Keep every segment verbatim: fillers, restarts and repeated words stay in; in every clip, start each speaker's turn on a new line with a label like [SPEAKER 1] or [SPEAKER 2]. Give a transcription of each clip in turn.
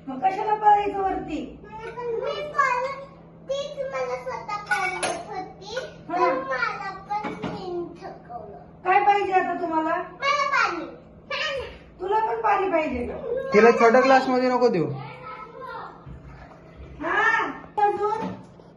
[SPEAKER 1] मग कशाला पाहायचं वरती?
[SPEAKER 2] तीच मला स्वतः पाळत होती, तर मला पण तीन थकवलं.
[SPEAKER 1] काय पाहिजे आता तुम्हाला?
[SPEAKER 2] मला पाणी.
[SPEAKER 1] तुला पण पाणी पाहिजे का?
[SPEAKER 3] तिला छोट्या ग्लास मध्ये नको देऊ.
[SPEAKER 1] हा अजून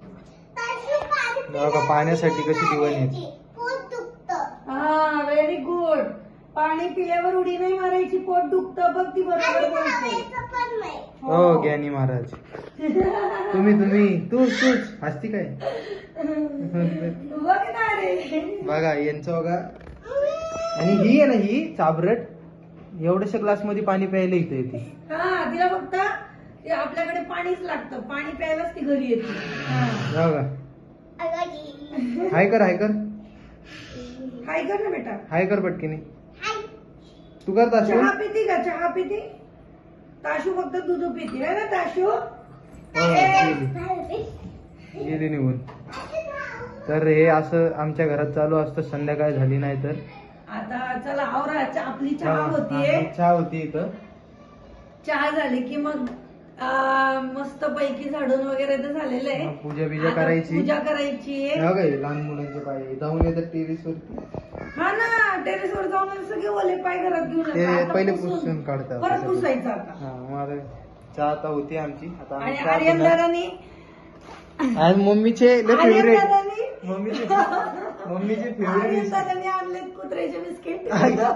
[SPEAKER 3] बघा पाण्यासाठी कशी दिवाणी आहे.
[SPEAKER 2] पोट दुखतं.
[SPEAKER 1] हा व्हेरी गुड. पाणी पिल्यावर उडी नाही मारायची, पोट दुखतं बघ ती बरोबर बोलते.
[SPEAKER 2] खायचं पण नाही.
[SPEAKER 3] हो ज्ञानी महाराज. तुम्ही तुम्ही तूच तूच हसती काय.
[SPEAKER 1] बघ ना रे.
[SPEAKER 3] बघा यांचं बघा. आणि ही आहे ना ही चाबरट एवढ्याशा ग्लास मध्ये पाणी प्यायला इथे येते.
[SPEAKER 1] हा तिला फक्त ते आपल्याकडे पाणीच लागतं, पाणी प्यायलाच ती घरी येते.
[SPEAKER 3] बघा
[SPEAKER 2] अगदी.
[SPEAKER 3] हाय कर हाय कर
[SPEAKER 1] काय कर ना बेटा.
[SPEAKER 3] हाय कर पटकीने. तू कर ताशू.
[SPEAKER 1] चहा पिती का? चहा पिती? ताशू फक्त दूध पिती आहे ना ताशू?
[SPEAKER 3] हो, गेली गेली निघून. तर हे असं आमच्या घरात चालू असतं संध्याकाळ झाली नाही तर.
[SPEAKER 1] आता चला आवरा, चा- आपली चहा
[SPEAKER 3] हा,
[SPEAKER 1] होतीये.
[SPEAKER 3] हा, चहा होती इथं.
[SPEAKER 1] चहा झाली की मग मस्त पैकी झाडून वगैरे तर झालेलं आहे.
[SPEAKER 3] हा, पूजा बिजा
[SPEAKER 1] आता
[SPEAKER 3] करायची.
[SPEAKER 1] पूजा करायची आहे.
[SPEAKER 3] बघा हे लहान मुलांचे पाय जाऊन येतात टेरिस वरती.
[SPEAKER 1] हा ना टेरेस वर जाऊन सगळे ओले पाय घरात घेऊन
[SPEAKER 3] ते
[SPEAKER 1] येतात. आता
[SPEAKER 3] पहिले
[SPEAKER 1] पुसून-
[SPEAKER 3] पुसून काढतात.
[SPEAKER 1] परत पुसायचं आता.
[SPEAKER 3] हा मग आता चहा आता होती आमची. आता आम्ही
[SPEAKER 1] आणि
[SPEAKER 3] चहा
[SPEAKER 1] आर्यन
[SPEAKER 3] पिणार.
[SPEAKER 1] दादानी
[SPEAKER 3] आज मम्मीचे लय
[SPEAKER 1] आर्यन
[SPEAKER 3] फेवरेट.
[SPEAKER 1] दादानी
[SPEAKER 3] मम्मीचे मम्मीचे
[SPEAKER 1] आर्यन
[SPEAKER 3] फेवरेट.
[SPEAKER 1] दादानी आणलेत कुत्र्याचे बिस्किट.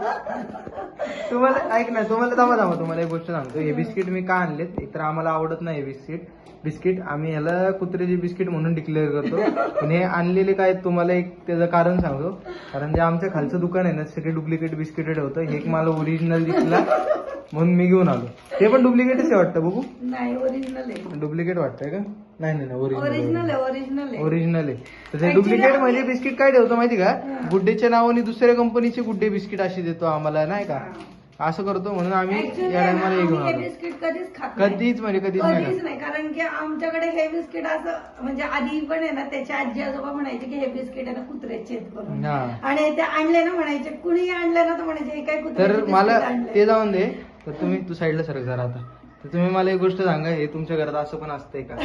[SPEAKER 3] तुम्हाला ऐक ना तुम्हाला थांबा थांबा तुम्हाला एक गोष्ट सांगतो. हे बिस्किट मी का आणलेत. एक तर आम्हाला आवडत नाही हे बिस्किट बिस्किट आम्ही ह्याला कुत्र्याचे बिस्किट म्हणून डिक्लेअर करतो. पण हे आणलेले काय तुम्हाला एक त्याचं कारण सांगतो. कारण जे आमच्या खालचं दुकान आहे ना सगळे डुप्लिकेट बिस्किट होतं. हे एक मला ओरिजिनल दिसला म्हणून मी घेऊन आलो. ते पण डुप्लिकेटच आहे वाटतं बघू.
[SPEAKER 1] नाही ओरिजिनल आहे.
[SPEAKER 3] डुप्लिकेट वाटतंय का? नाही नाही
[SPEAKER 1] ओरिजिनल
[SPEAKER 3] ओरिजिनल
[SPEAKER 1] आहे ओरिजिनल आहे.
[SPEAKER 3] ओरिजिनल आहे. तर ते
[SPEAKER 1] Actually
[SPEAKER 3] डुप्लिकेट
[SPEAKER 1] आम्ही-
[SPEAKER 3] म्हणजे बिस्किट काय ठेवतो माहिती का?
[SPEAKER 1] हा.
[SPEAKER 3] गुड्डेच्या नावाने दुसऱ्या कंपनीचे गुड्डे बिस्किट असे देतो आम्हाला नाही का. असं करतो म्हणून आम्ही
[SPEAKER 1] Actually
[SPEAKER 3] या
[SPEAKER 1] ना,
[SPEAKER 3] टायमाला हे घेऊन
[SPEAKER 1] आम्ही हे
[SPEAKER 3] आलो.
[SPEAKER 1] बिस्किट कधीच खात नाही.
[SPEAKER 3] कधीच म्हणजे कधीच नाही
[SPEAKER 1] कधीच
[SPEAKER 3] खात.
[SPEAKER 1] नाही कारण की आमच्याकडे हे बिस्किट असं म्हणजे आधी पण आहे ना त्याच्या आजी आजोबा म्हणायचे की हे बिस्किट आहे ना कुत्र्याचे आहेत करून.
[SPEAKER 3] हा.
[SPEAKER 1] आणि ते आणले ना म्हणायचे कुणी आणलं ना तर म्हणायचे हे काय कुत्र्याचे
[SPEAKER 3] तर
[SPEAKER 1] बिस्किट
[SPEAKER 3] मला
[SPEAKER 1] आणले.
[SPEAKER 3] ते जाऊन दे. तर तुम्ही तू साईडला सरक जरा आता. तर तुम्ही मला एक गोष्ट सांगा हे तुमच्या घरात असं पण असतंय का?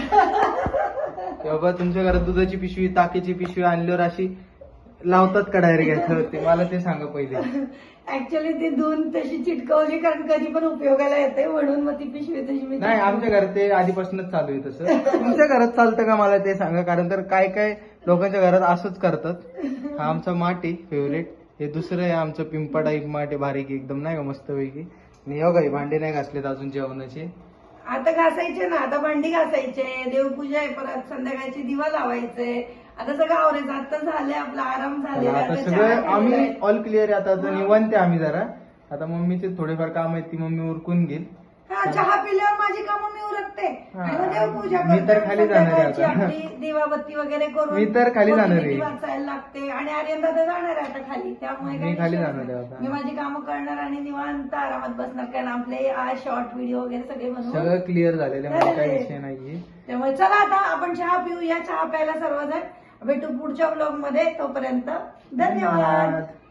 [SPEAKER 3] की बाबा तुमच्या घरात दुधाची पिशवी ताकीची पिशवी आणल्यावर अशी लावतात का डायरेक्ट ते मला ते सांगा पहिले.
[SPEAKER 1] ऍक्च्युली ती धुवून तशी चिटकवली कारण कधी पण उपयोगाला येते म्हणून मग ती पिशवी तशी मी
[SPEAKER 3] नाही आमच्या घरात ते आधीपासूनच चालू आहे तसं. तुमच्या घरात चालतं का मला ते सांगा. कारण तर काय काय लोकांच्या घरात असंच करतात. हा आमचा माठ आहे फेवरेट. हे दुसरं आहे आमचं पिंपा टाईप माठ आहे बारीक एकदम नाही का मस्तपैकी. आणि हो काही भांडे नाही घासलेत अजून जेवणाचे.
[SPEAKER 1] आता घासायचे ना आता भांडी घासायचे देवपूजा आहे परत संध्याकाळची दिवा लावायचे. आता सगळं आवरायचं आता झालंय आपला आराम झालेला
[SPEAKER 3] आता
[SPEAKER 1] आता
[SPEAKER 3] सगळं
[SPEAKER 1] चहा
[SPEAKER 3] आम्ही
[SPEAKER 1] ठेवलाय.
[SPEAKER 3] ऑल क्लिअर आहे. आता आता निवांत आहे आम्ही जरा. आता मम्मीचे थोडेफार काम आहेत ती मम्मी उरकून घेईल.
[SPEAKER 1] हा चहा पिल्यावर माझी कामं मी उरकते आणि मग देवपूजा
[SPEAKER 3] मी तर
[SPEAKER 1] करते.
[SPEAKER 3] खाली जाणार आहे
[SPEAKER 1] संध्याकाळची
[SPEAKER 3] आता.
[SPEAKER 1] आपली दिवाबत्ती वगैरे करून
[SPEAKER 3] मी तर खाली
[SPEAKER 1] मग
[SPEAKER 3] जाणार
[SPEAKER 1] नीती
[SPEAKER 3] आहे.
[SPEAKER 1] वाचायला लागते आणि आर्यन दादा जाणार आहे आता खाली त्यामुळे
[SPEAKER 3] मी
[SPEAKER 1] काही
[SPEAKER 3] खाली
[SPEAKER 1] विषय
[SPEAKER 3] जाणार आहे
[SPEAKER 1] नाही.
[SPEAKER 3] आता.
[SPEAKER 1] मी माझी कामं करणार आणि निवांत आरामात बसणार कारण आपले आज शॉर्ट व्हिडिओ वगैरे सगळे बनवून
[SPEAKER 3] सगळं क्लिअर झालेलं आहे. मला काही विषय नाहीये.
[SPEAKER 1] त्यामुळे चला आता आपण चहा पिऊया. चहा प्यायला सर्वजण भेटू पुढच्या ब्लॉग मध्ये. तोपर्यंत धन्यवाद.